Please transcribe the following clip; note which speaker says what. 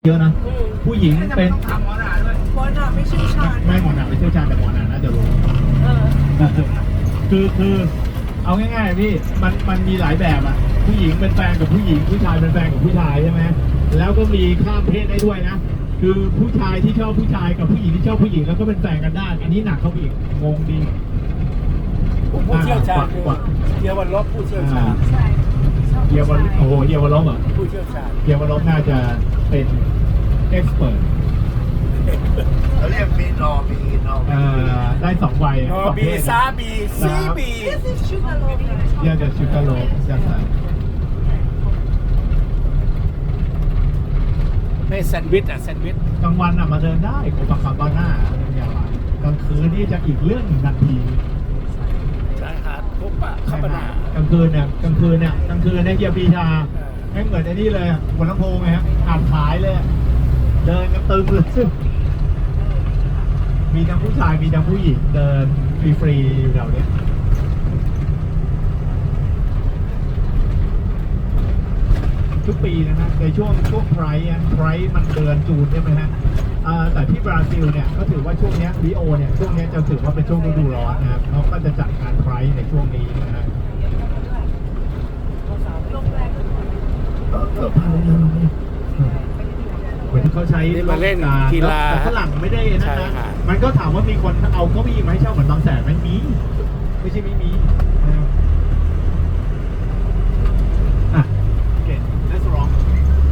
Speaker 1: เยอะนะผู้หญิงเป็น
Speaker 2: ถามหมอหนาด้วยหมอหนาไม่เชี่ยวชาญ
Speaker 1: ไม่หมอหนาไม่เชี่ยวชาญแต่หมอหนาน่าจะรู้คือเอาง่ายๆพี่มันมีหลายแบบอ่ะผู้หญิงเป็นแฟนกับผู้หญิงผู้ชายเป็นแฟนกับผู้ชายใช่ไหมแล้วก็มีข้ามเพศได้ด้วยนะคือผู้ชายที่ชอบผู้ชายกับผู้หญิงที่ชอบผู้หญิงแล้วก็เป็นแฟนกันได้อันนี้หนักเข้าไปอีกงงดี
Speaker 3: ผู้เชี่ยวชาญคือเยาวรบผู้เชี่ยวชาญ
Speaker 2: ใช่
Speaker 1: เยาวรโอ้โหเยาวรบอ่ะ
Speaker 3: ผู้เชี่ยวชาญ
Speaker 1: เยาวรบน่าจะเป็นเอ็กซ์เพิร์ต
Speaker 4: เขาเรียกมีนอมีนอ
Speaker 1: ได้สองวัย
Speaker 3: นอบีซาบีซีบี
Speaker 2: This is sugar loaf
Speaker 1: เยอะจะชิคาโลจะใส่
Speaker 3: ไม่แซนด์วิชอ่ะแซนด์วิช
Speaker 1: กลางวันมาเดินได้โคปาคาบาน่ากลางคืนนี่จะอีกเรื่องหนึ่งทันที
Speaker 3: ชายหาดพบปะคาบานาก
Speaker 1: ลางคืนเนี่ยเฮียปีชาไม่เหมือนไอ้นี่เลยบนลำโพงไงฮะอ่านขายเลยเดินกันตึงเลยมีทั้งผู้ชายมีทั้งผู้หญิงเดินฟรีๆอยู่แถวนี้ทุกปีนะฮะในช่วงไพร์มันเดือนจูนใช่ไหมฮะแต่ที่บราซิลเนี่ยก็ถือว่าช่วงนี้ริโอเนี่ยช่วงนี้จะถือว่าเป็นช่วงฤดูร้อนนะครับเขาก็จะจัดงานไพร์ในช่วงนี้นะฮะเหมือนที่เขาใช้
Speaker 3: นี่มาเล่นกีฬา
Speaker 1: แต่ฝรั่งไม่ได้นะ
Speaker 3: ใช่
Speaker 1: นะ
Speaker 3: ค่ะ
Speaker 1: มันก็ถามว่ามีคนเอาเก้าอี้มาให้เช่าเหมือนบางแสนไหมมีไม่ใช่ไม่มีนะครับ